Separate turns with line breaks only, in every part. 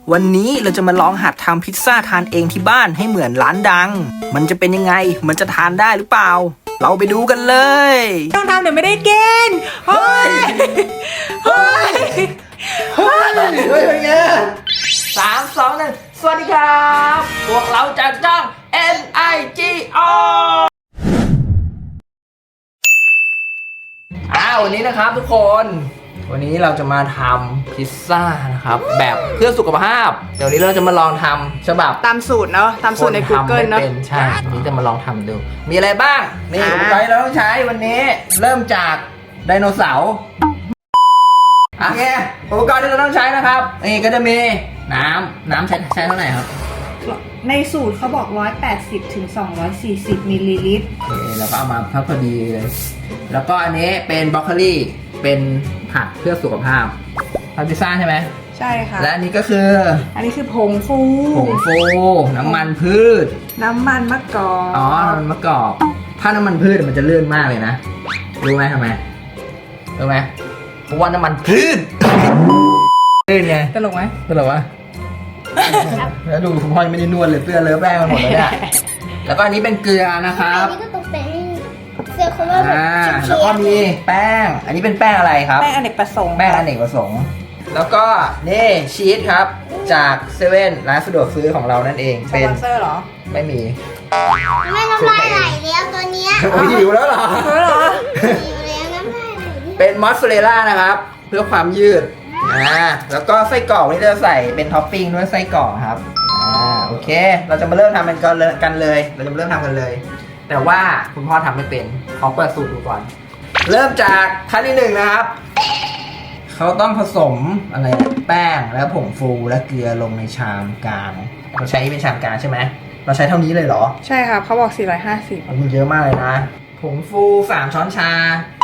วันนี้เราจะมาลองหัดทำพิซซ่าทานเองที่บ้านให้เหมือนร้านดังมันจะเป็นยังไงมันจะทานได้หรือเปล่าเราไปดูกันเลย
ต้องทำเดี๋ยวไม่ได้กินเฮ้ย
เป็นไง3 2 1สวัสดีครับพวกเราจากจ้อง NIGO วันนี้นะครับทุกคนวันนี้เราจะมาทำพิซซ่านะครับแบบเพื่อสุขภาพเดี๋ยวนี้เราจะมาลองทำฉบับ
ตามสูตรเนาะตามสูตรใน Google เนาะ
ใช่วันนี้จะมาลองทำดูมีอะไรบ้างนี่อุปกรณ์เราต้องใช้วันนี้เริ่มจากไดโนเสาร์โอเคอุปกรณ์ที่เราต้องใช้นะครับนี่ก็จะมีน้ำใช้เท่าไหร่ครับ
ในสูตรเขาบอก180 ถึง 240 มิลลิลิตร
แล้วก็เอามาพอดีเลยแล้วก็อันนี้เป็นบรอกโคลีเป็นผักเพื่อสุขภาพทำพิซซ่าใช่ไหม
ใช่ค่ะ
และอันนี้ก็คือ
อันนี้คือผงฟู
น้ำมันพืช
น้ำมันมะกอก
น้ำมันมะกอกถ้าน้ำมันพืชมันจะลื่นมากเลยนะรู้ไหมทำไมรู้ไหมเพราะว่าน้ำมันพืชลื่นไง
ตลกไหม
ตลกวะแล้วดูคุณพ่อยังไม่ได้นวดเลยเสื้อเลอะแป้งมันหมดเลยเนี่ยแล้วก็อันนี้เป็นเกลือนะครับ
อันนี้ก็ตกแต่งเสื้อเขาว่า
แล้วก็มีแป้งอันนี้เป็นแป้งอะไรครับ
แป้งอเนกประสงค์
แป้งอเนกประสงค์แล้วก็นี่ชีสครับจากเซเว่นร้านสะดวกซื้อของเรานั่นเอง
เป็นสปอนเซอร์เหรอ
ไม่มี
ไม่น้ำลายไหลแล้วตัวเนี้ย
หิวแล้วเหรอ
หิวแล้วน้ำลายไหล
เป็นมอสซาเรลล่านะครับเพื่อความยืดแล้วก็ไส้กรอกนี่จะใส่เป็นท็อปปิ้งด้วยไส้กรอกครับโอเคเราจะมาเริ่มทำกันเลยเราจะมาเริ่มทำกันเลยแต่ว่าคุณพ่อทำไม่เป็นขอเปิดสูตรดูก่อนเริ่มจากขั้นที่1นะครับเขาต้องผสมอะไรแป้งแล้วผงฟูและเกลือลงในชามกลางเราใช้เป็นชามกลางใช่ไหมเราใช้เท่านี้เลยเหรอ
ใช่ครับเขาบอก450
มันเยอะมากเลยนะผงฟู3 ช้อนชา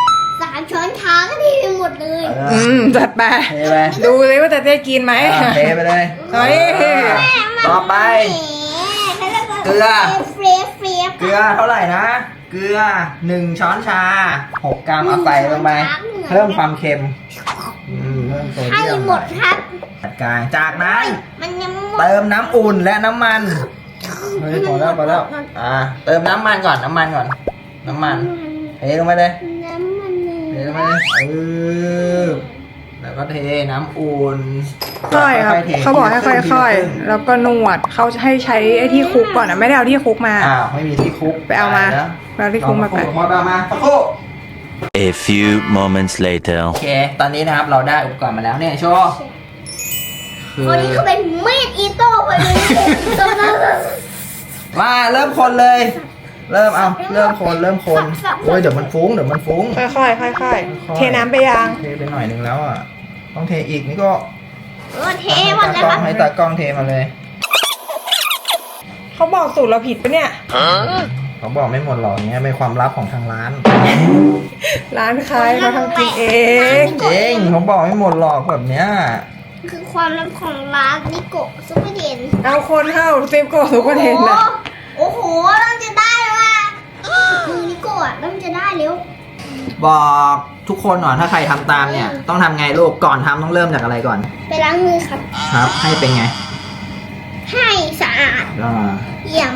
3 ช้อนชาก็ดีไปหมดเลย
จัดไปดูเลยว่าจะได้กินไหม
เทไปเลยต่อไปเกลือเท่าไหร่นะเกลือ1 ช้อนชา6 กรัมเอาใส่ลงไปเพิ่มความเค็มเพิ่มโซเดียม
ให้หมดครับ
จัดการจากนั้นเติมน้ำอุ่นและน้ำมันพอแล้วเติมน้ำมันก่อนน้ำมันเทลงไปเลยแล้วก็เทน้ำอุ่น
ค่อยครับเขาบอกให้ค่อยๆแล้วก็นวดเขาให้ใช้ไอ้ที่คุกก่อนนะไม่ได้เอาที่คุกมา
ไม่มีที่คุก
ไปเอามาเอาที่คุกมาไป
เอามาสักครู่
A few moments later
โอเคตอนนี้นะครับเราได้อุปกรณ์มาแล้วเนี่ยโชว์
คนนี้เขาเป็นมีดอิโต้ไปเลย
มาเริ่มคนเลยเริ่มคนโอ้ยเดี๋ยวมันฟุ้ง
ค่อยๆเทน้ำไปยัง
เทไปหน่อยนึงแล้วต้องเทอีกนี่ก็
เทหมดแล้วครับ
ให้ตากล้องเทมาเลย
เขาบอกสูตรเราผิดปะเนี่ย
เขาบอกไม่หมดหรอกเนี่ยเป็นความลับของทางร้าน
ใครเขาทำกินเอง
จริงเขาบอกไม่หมดหรอกแบบเนี้ย
คือความลับของร้านนิโกะซุปเปอร์เดน
เอาคนเข้าเซฟโกซุปเปอร์เดนนะ
โอ้โหเริ่มจะได้แล้วมือนิโกะเริ่มจะได้แล้ว
บอกทุกคนหน่อยถ้าใครทำตามเนี่ยต้องทำไงลูกก่อนทำต้องเริ่มจากอะไรก่อน
ไปล้างมือครับ
ให้เป็นไง
ให้สะอาดเยี่ยม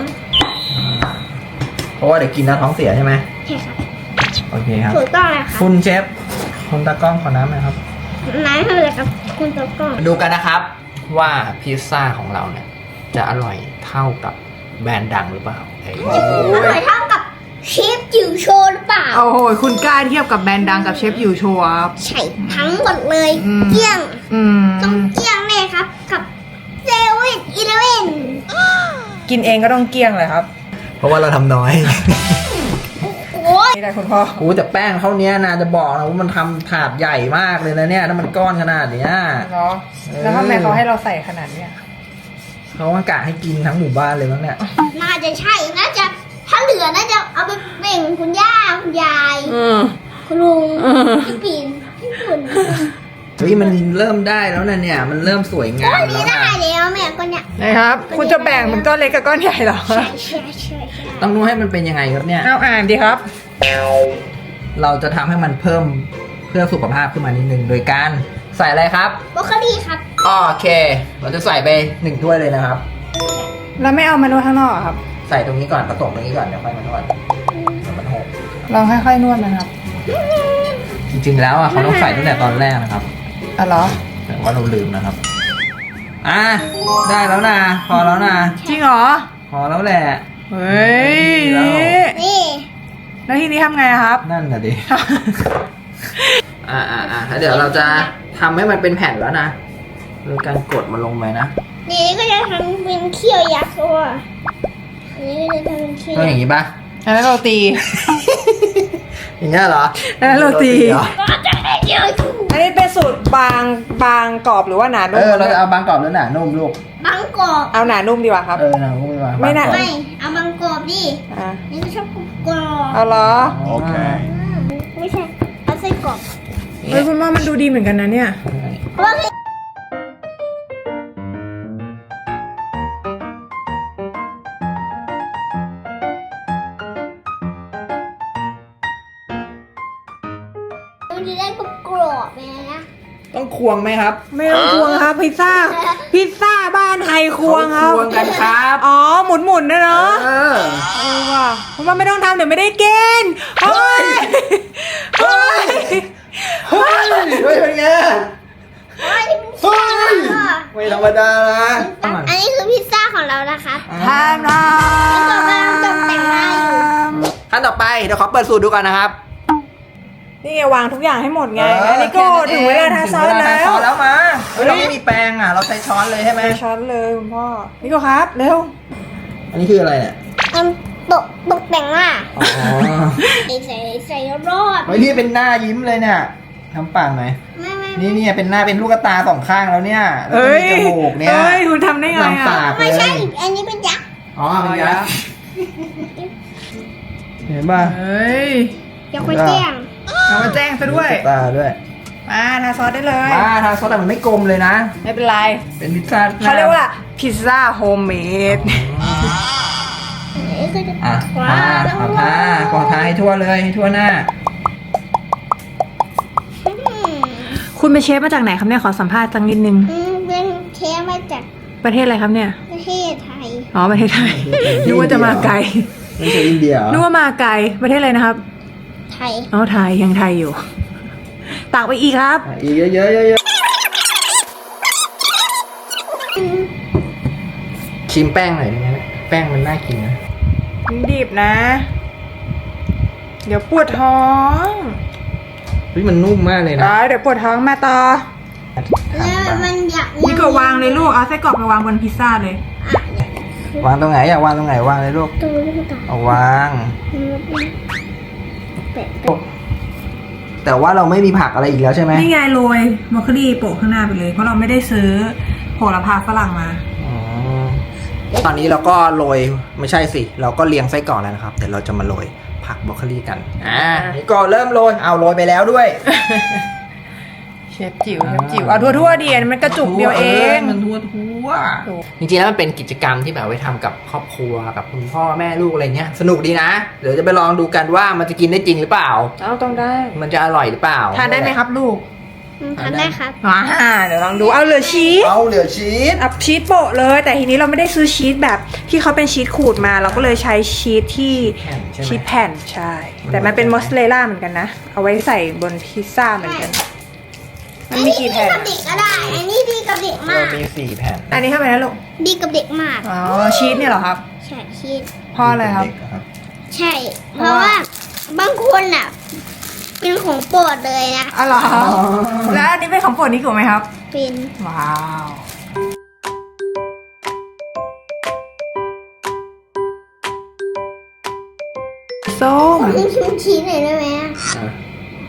เพราะว่าเดี๋ยวกินแล้วท้องเสียใช่ไหม
ใช่ครับ
โอเคครับ
ถูกต้องแล้วครับ
คุณเชฟคุณตากล้องขอน้ำหน่อยครับ
น้ำให้เลยครับคุณตากล้อง
ดูกันนะครับว่าพิซซ่าของเราเนี่ยจะอร่อยเท่ากับแบรนด์ดังหรือเปล่า
อร่อยเท่ากับเชฟจิ๋วโชว์หรือเปล่า
โอ้โหคุณกล้าเทียบกับแบรนด์ดังกับเชฟจิ๋วโชว์ครับ
ใช่ทั้งหมดเลยเกี้ยงต้องเกี้ยงเลยครับกับเซเว่นอีเลฟเว่น
กินเองก็ต้องเกี้ยงเลยครับ
เพราะว่าเราทำน้อย
นี่แหละคุณพ่อ
แต่แป้งเท่านี้นะจะบอกนะว่ามันทำถาดใหญ่มากเลยนะเนี่ยถ้ามันก้อนขนาดเนี้ย
เนาะแล้วทำไมเขาให้เราใส่ขนาดเนี้ย
เขากะให้กินทั้งหมู่บ้านเลยมั้งเนี่ย
น่าจะใช่น่าจะถ้าเหลือน่าจะเอาไปแบ่งคุณย่าคุณยายคุณลุงพี่ปิ่นพี่ปุ่น
มันเริ่มได้แล้วนะเนี่ยมันเริ่มสวยงามแล้ว
นี่ได้แล้วแม่ก้อนเนี่ย
นะครับคุณจะแบ่งเป็นก้อนเล็กกับก้อนใหญ่หรอ
ใช่
ต้องรู้ให้มันเป็นยังไงครับเนี่ย
เอาอ่านดีครับ
เราจะทำให้มันเพิ่มเพื่อสุขภาพขึ้นมานิดนึงโดยการใส่อะไรครับ
บรอกโคลีครับ
โอเค เราจะใส่ไป1 ถ้วยเลยนะครับ
แล้วไม่เอามานวดข้างนอกอะครับ
ใส่ตรงนี้ก่อนผสมตรงนี้ก่อนเดี๋ยวค่อยมานวดเดี๋ยวมันหก
ลองค่อยๆนวดนะครับ
จริงๆแล้วอ่ะเขาต้องใส่ตั้งแต่ตอนแรกนะครับ
อ๋อเหรอ
แต่ว่าเราลืมนะครับได้แล้วนะพอแล้วนะ
จริงเหรอ
พอแล้วแหละ
เฮ้ย
นี่
แล้วทีนี้ทำไงอะครับ
นั่นน่ะดิแล้วเดี๋ยวเราจะทำให้มันเป็นแผ่นแล้วนะโดยการกดมันลงไปนะ
นี่ก็จะทำเป็นเขี้ยวยักษ์ตัวนี่ก็จะทำเป็นเขี้ยว
ต้องอย่างนี้ป่ะ
แล้วเราตี
อย่างเงี้ยเหรอ
แล้วโรตี
เหรอ
ก็จะได้เยอะถูก
อันนี้เป็นสูตรบางกรอบหรือว่าหนานุ่ม
เราจะเอาบางกรอบหรือหนานุ่มลูก
บางกอก
เอาหนานุ่มดีกว่าครับ
หนานุ่มดีกว่า
ไม่หนา
บางกรอบ
ไม่เอาบางกอกดิ
อ่ะ
นี่ก็ชอบกรอบ
เอาเหรอ
โอเค
ไม่ใช่เอาไส้กรอก
เฮ้ยคุณว่ามันดูดีเหมือนกันนะเนี่ย
เพราะว่ามันจะได้กรอบๆเลยนะ
ต้องควงไหมครับ
ไม่ต้องควงครับพิซซ่าบ้านไทยควงครับ
เขาควงกันครับ
อ๋อหมุนนะเนาะ
เออ
ว่ะคุณว่าไม่ต้องทำเดี๋ยวไม่ได้กินเฮ้ยเฮ้ย
เฮ้ยเป็นไง
โอ้ยนี่เป็นพิซซ่า
ไม่ธรรมดานะ
อันนี้คือพิซซ่าของเรานะครับ
ทานนะ
แล้วก็กำลังตกแต่งหน้าอยู่
ขั้นต่อไปเดี๋ยวขอเปิดสูตรดูก่อนนะครับ
นี่ไงวางทุกอย่างให้หมดไงอันนี้ก็ถึงเวลาทาซอส
ถึงเวลา
แล้
ทาซอ
ว
สแล้วมาเราไม่มีแปรงอ่ะ เราใช้ช้อนเลยใช่ไหม
ใส่ช้อนเลยคุณพ่อนี่ก็ครับเร็ว
อันนี้คืออะไรเนี่ย
ตกแต่งหน้า
อ๋อ
ใส่รอด
เฮ้ยนี่เป็นหน้ายิ้มเลยเนี่ยทำปากหน่อย
ไม่
นี่เป็นหน้าเป็นลูกตา2 ข้างแล้วเนี่ยแล้วก็
เอ้ย
มีจมูกเนี่ย
เอ้ยคุณทำได้ไง
ลำ
อ่ะ
ปากเล
ไม่
ย
ใช่ อันนี้เป็นยักษ์
อ๋อเป็นยักษ์เห็นป่ะ
เฮ้ย
ยักษ์ไปแจ้ง
เอามาแจ้งซะด้วย
ลูกตาด้วย
มาทาซอสได้เลย
มาทาซอสแต่มันไม่กลมเลยนะ
ไม่เป็นไร
เป็นพิซซ่าหน้
เขาเรียกว่าพิซซ่าโฮมเมด
อันนี้ก็จะ
อ่ะ
ว้า
ขอทาให้ทั่วเลยให้ทั่วหน้า
คุณเป็นเชฟมาจากไหนครับเนี่ยขอสัมภาษณ์สักนิดนึง
เป็นเชฟมาจาก
ประเทศอะไรครับเนี่ย
ประเทศไทย
อ๋อประเทศไทยนึกว่าจะมาไกล
ไม่ใช่อินเดียเหรอ
นึกว่ามาไกลประเทศอะไรนะครับ
ไทย
อ๋อไทยยังไทยอยู่ตักไปอีกครับ
อ่ะอีกเยอะชิมแป้งหน่อยได้ไหมแป้งมันน่ากินนะ
ดิบนะ เดี๋ยวปวดท้อง
เฮ้ยมันนุ่มมากเลยนะ
เดี๋ยวปวดท้องมาต่อ
แล้วมันอยาก
นี่ก็วางเลยลูกเอาไส้กรอกไปวางบนพิซซ่าเลย
วางตรงไหนอยากวางตรงไหนวางเลยลูก
ตัวลูกตา
เอาวาง
แปะ
แต่ว่าเราไม่มีผักอะไรอีกแล้วใช่ไหม
นี่ไงโรยบรอกโคลีโปะข้างหน้าไปเลย เพราะเราไม่ได้ซื้อโหระพาฝรั่งมา
อ๋อตอนนี้เราก็โรยไม่ใช่สิ เราก็เรียงไส้กรอกแล้วนะครับเดี๋ยวเราจะมาโรยผักบรอกโคลีกันนี่ก็เริ่มโรยเอาโรยไปแล้วด้วย
เชฟจิ๋วเอาทั่วๆดีมันกระจุกเดียวเอง
มันทั่วจริงๆแล้วมันเป็นกิจกรรมที่แบบไว้ทำกับครอบครัวกับคุณพ่อแม่ลูกอะไรเงี้ยสนุกดีนะเดี๋ยวจะไปลองดูกันว่ามันจะกินได้จริงหรือเปล่า
เอาต้องได้
มันจะอร่อยหรือเปล่า
ทานได้ไหมครับลูก
ทำได้ครับ
เดี๋ยวลองดูเอาเหลือชีส
เอาเหลือชีส
เอาชีสโปะเลย แต่ทีนี้เราไม่ได้ซื้อชีสแบบที่เขาเป็นชีสขูดมา เราก็เลยใช้ชีสที่
แผ่นใช่ไหม
ชีสแผ่นใช่ แต่มันเป็นมอสซาเรลล่าเหมือนกันนะ เอาไว้ใส่บนพิซซ่าเหมือนกัน มันมีกี่แผ่น
อันนี้ดีกับเด็กก็ได้ อันนี้ดีกับเด็กมา
เรา
ก
มี4 แผ่น
อันนี้เท่าไหร่นะลูก
ดีกับเด็กมาก
อ๋อชีสเนี่ยเหรอครับ
ใช่ชีส
เพ่ออะไรครับ
เด็กๆครับ
ใช่ เพราะว่าบางคนอ่ะ เป็นของโปรดเลยนะ
อ๋อเหรอแล้วอันนี้เป็นของโปรดนี้กูไหมครับ
เป็น
ว้าว ส้ม
คุณชิมชีสหน่อยได้ไหมอะ
อ่ะ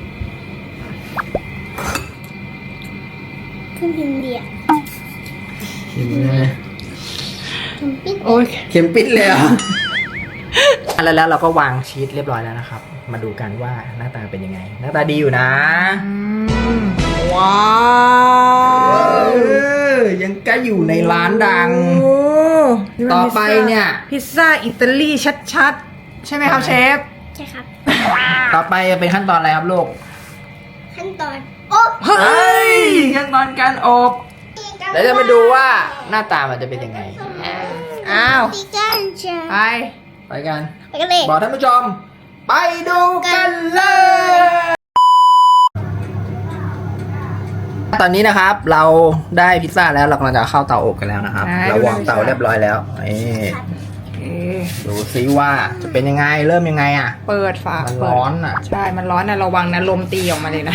ขึ้นพิมพ์เดีย
เห็นไหม
ชิมปิ๊ด
โอ้ย
เข็มปิดเลยเหรอ แล้วเราก็วางชีสเรียบร้อยแล้วนะครับ มาดูกันว่าหน้าตาเป็นยังไง หน้าตาดีอยู่นะ
ว้าว
ยังก็อยู่ในร้านดัง
โอ้นี่มัน
ต่อไปเนี่ย
พิซซ่าอิตาลีชัดๆ ใช่ไหมครับเชฟ
ใช่ครับ
ต่อไปเป็นขั้นตอนอะไรครับลูก
ขั้นตอน โอ้
เฮ้ย
ขั้นตอนการอบ
นี่ก็
เดี๋ยวจะมาดูว่าหน้าตามันจะเป็นยังไง
อ้าว
ตีกันเชียว
ไป
ไปกัน
ไปกันเลย
บอกท่านผู้ชม ไปดูกันเลย ตอนนี้นะครับเราได้พิซซ่าแล้วเรากำลังจะเข้าเตาอบกันแล้วนะครับ เราวางเตาเรียบร้อยแล้วนี่
โอเค
ดูซิว่าจะเป็นยังไงเริ่มยังไงอ่ะ
เปิดฝา
มัน
เปิด
ร้อนอ่ะ
ใช่ มันร้อนนะระวังนะลมตีออกมาเลยนะ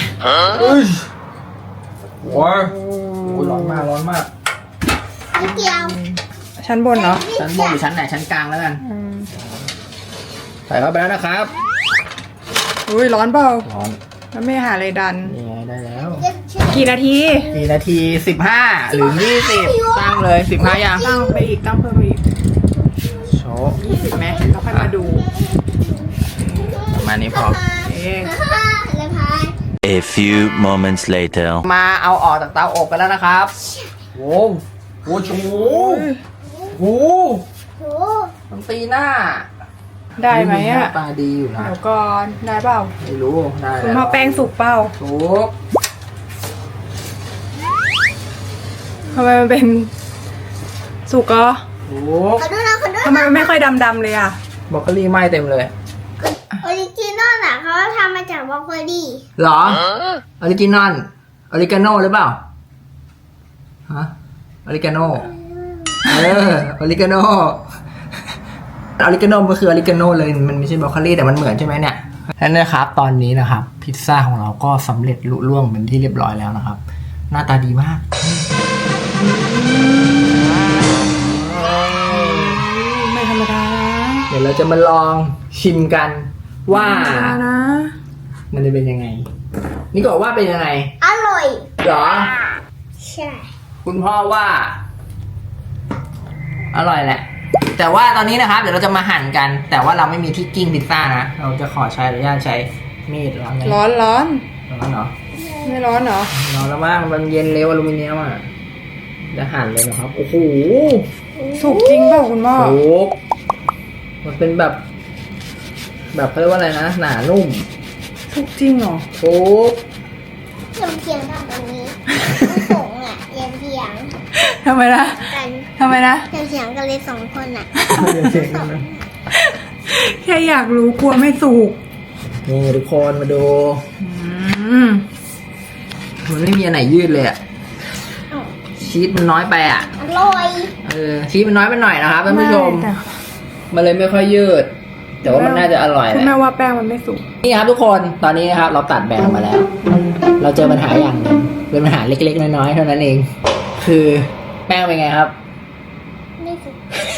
ว้าวร้อนมากร้อนมาก
นิดเดียว
ชั้นบนเนาะ
ชั้นบนหรือชั้นไหนชั้นกลางแล้วกัน ใส่เข้าไปแล้วนะครับ
อุ้ยร้อนเปล่า
ร้อน
แล้วไม่หาอะไรดัน
นี่ไงได้แล้ว
กี่นาที
กี่นาที15หรือ20ตั้งเลย15ยัง
ตั้งไปอีกตั้งเพิ่มไปอีก
โชว์
20ไหมแล้วค่อยมาดู
ประมาณนี้พอ
เอ๊ะ
เลยพาย
A few moments later.
มาเอาออกจากเตาอบกันแล้วนะครับโว้วโอ้โหโอ้โห
โห
มันตีหน้า
ได้ไหม
ห
อ่ะ
น้าตาดีอยู่นะ
เดี๋ยวก่อนได้เปล่า
ไม่รู้ได้
คุณ
แล้ว
พ่อแป้งสุกเปล่า
ถูก
ทำไมมันเป็นสุกเหรอ
ถูก
ขอดูนะขอดู
ทำไมมันไม่ค่อยดำๆเลยอ่ะ
บรอกโคลีไหม้เต็มเลย
ออริจินอลอ่ะเขาทำมาจากบรอกโคลี
เหรอออริจินอลออริกาโน่หรือเปล่าฮะออริกาโน่ออริกาโน่ออริกาโน่ก็คือออริกาโน่เลยมันไม่ใช่บรอกโคลีแต่มันเหมือนใช่ไหมเนี่ยนั่นนะครับตอนนี้นะครับพิซซ่าของเราก็สำเร็จลุล่วงเป็นที่เรียบร้อยแล้วนะครับ หน้าตาดีมาก
ไม่ธรรมดานะ
เดี๋ยวเราจะมาลองชิมกันว่า
ไม่ธรรมดานะ
มันจะเป็นยังไง นี่ก็ว่าเป็นยังไง
อร่อย
เหรอ
ใช่
คุณพ่อว่า อร่อยแหละ แต่ว่าตอนนี้นะครับ เดี๋ยวเราจะมาหั่นกัน แต่ว่าเราไม่มีที่กิ้งพิซซ่านะ เราจะขอใช้อนุญาตใช้มีดร้อนเลย
ร้อนร้อน
ร้อนเหรอ
ไม่ร้อนเหรอ
ร้อนแล้วมั้งมันเย็นเร็วอลูมิเนียมอ่ะจะหั่นเลยนะครับ โอ้โห
สุกจริงเปล่าคุณพ่อ
โอ้มันเป็นแบบ แบบเขาเรียกว่าอะไรนะ หนานุ่ม
สุกจริงเหรอ
โอ้
เทียงทำแบบนี้ไม่ส่งอ่ะเรียนเทียง
ทำไมนะ
กัน
ทำไมนะ
เทียงกันเลยสองคนอ่ะ
แค่อยากรู้กลัวไม่สุก
นี่ทุกคนมาดู
อืม
มันไม่มีอันไหนยืดเลยอะชีสมันน้อยไปอะ
อร่อย
ชีสมันน้อยไปหน่อยนะครับท่านผู้ชม
แต่
มันเลยไม่ค่อยยืด แต่ว่ามันน่าจะอร่อยแห
คุณ
ละ
แม่ว่าแป้งมันไม่สุก
นี่ครับทุกคนตอนนี้นะครับ เราตัดแบ่งออกมาแล้ว เราเจอปัญหาอย่างหนึ่งเป็นปัญหาเล็กๆน้อยๆเท่านั้นเอง คือแป้งเป็นไงครับ
ไม่สุก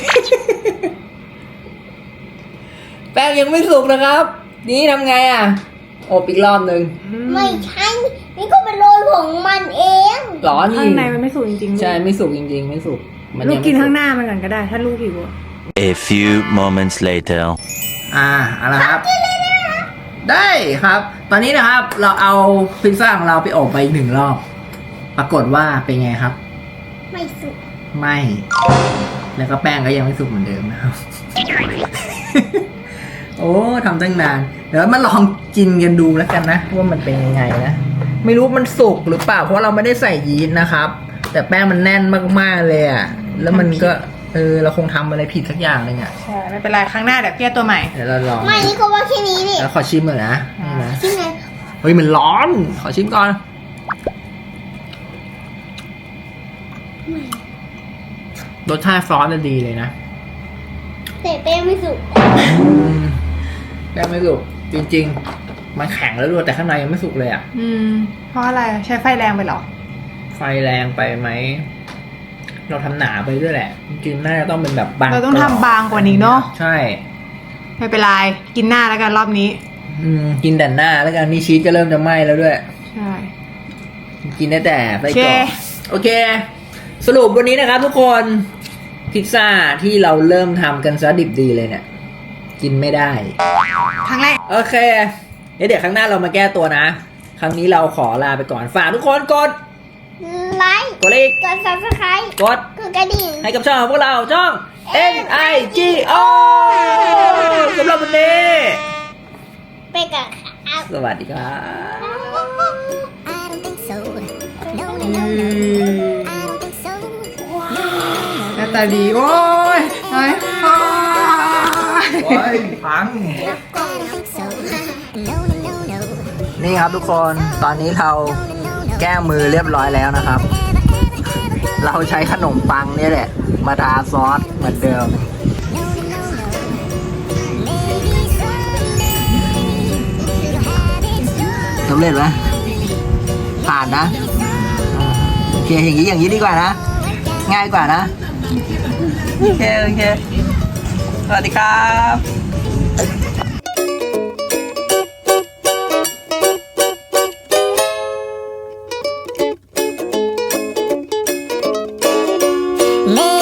แป้งยังไม่สุกนะครับ นี่ทำไงอะอบอีกรอบนึง
ไม่ใช่นี่ก็เป็นโรยของมันเอง
หรอนี่
ข้างในมันไม่สุกจริงๆ
ใช่ไม่สุกจริงๆ ไม่สุกมัน
ลูก
ยัง
กิน
ไม่สุ
ข้างหน้ามันก่อนก็ได้ ถ้าลูกหิวอะ
A few moments later.
เอาละครับ ได้ครับ ตอนนี้นะครับ เราเอาพิซซ่าของเราไปอบไปอีก1 รอบ ปรากฏว่าเป็นไงครับ
ไม่สุก
ไม่ แล้วก็แป้งก็ยังไม่สุกเหมือนเดิมนะครับ โอ้ทำตั้งนาน เดี๋ยวมาลองกินกันดูแล้วกันนะว่ามันเป็นยังไงนะ ไม่รู้มันสุกหรือเปล่าเพราะเราไม่ได้ใส่ยีสต์นะครับ แต่แป้งมันแน่นมากๆเลยอ่ะ แล้วมันก็เราคงทำอะไรผิดสักอย่างหนึงอ่ะ
ใช่ ไม่เป็นไร ข้างหน้าเดี๋ยวเพี้ยตัวใหม่
เดี๋ยวเราลอง
ไม่นี่ก็ว่าแค่นี้ดิ
แล้วขอชิมหน่อยนะนี่นะ
ที่ไหน
เฮ้ยมันร้อน ขอชิมก่อน รสชาติซอสจะดีเลยนะ
แต่แป้งไม่สุก
แป้งไม่สุกจริงๆ มันแข็งแล้วด้วยแต่ข้างในยังไม่สุกเลยอ่ะ
อืม เพราะอะไร ใช้ไฟแรงไปเหรอ
ไฟแรงไปไหม เราทำหนาไปด้วยแหละ จริงๆน่าจะต้องเป็นแบบบาง
เราต้องทำบางกว่านี้เนาะ
ใช่
ไม่เป็นไร กินหน้าแล้วกันรอบนี้
กินแต่หน้าแล้วกันนี่ชีสก็เริ่มจะไหม้แล้วด้วย
ใช่
กินได้แต่ไส้กรอก
โอเค
โอเค สรุปวันนี้นะครับทุกคนพิซซ่าที่เราเริ่มทำกันซะดิบดีเลยเนี่ย กินไม่ได้
ครั้งแรก
โอเค เดี๋ยวครั้งหน้าเรามาแก้ตัวนะ ครั้งนี้เราขอลาไปก่อน ฝากทุกคนกด
ไลค์
กดไลค์
กด subscribe
กด
กดกระดิ่ง
ให้กับช่องของพวกเราช่อง NIGO สำหรับวันนี้
ไปกับ
สวัสดีครับ
I don't think so. No, no, no, no. I don't think so.
ตาดีโอ้ยโอ้ย
โอ้ยพัง นี่ครับทุกคนตอนนี้เราแก้มือเรียบร้อยแล้วนะครับ เราใช้ขนมปังนี่แหละ มาทาซอสเหมือนเดิมสำเร็จไหมผ่านนะโอเคอย่างนี้ดีกว่านะ ง่ายกว่านะ โอเคสวัสดีครับ
내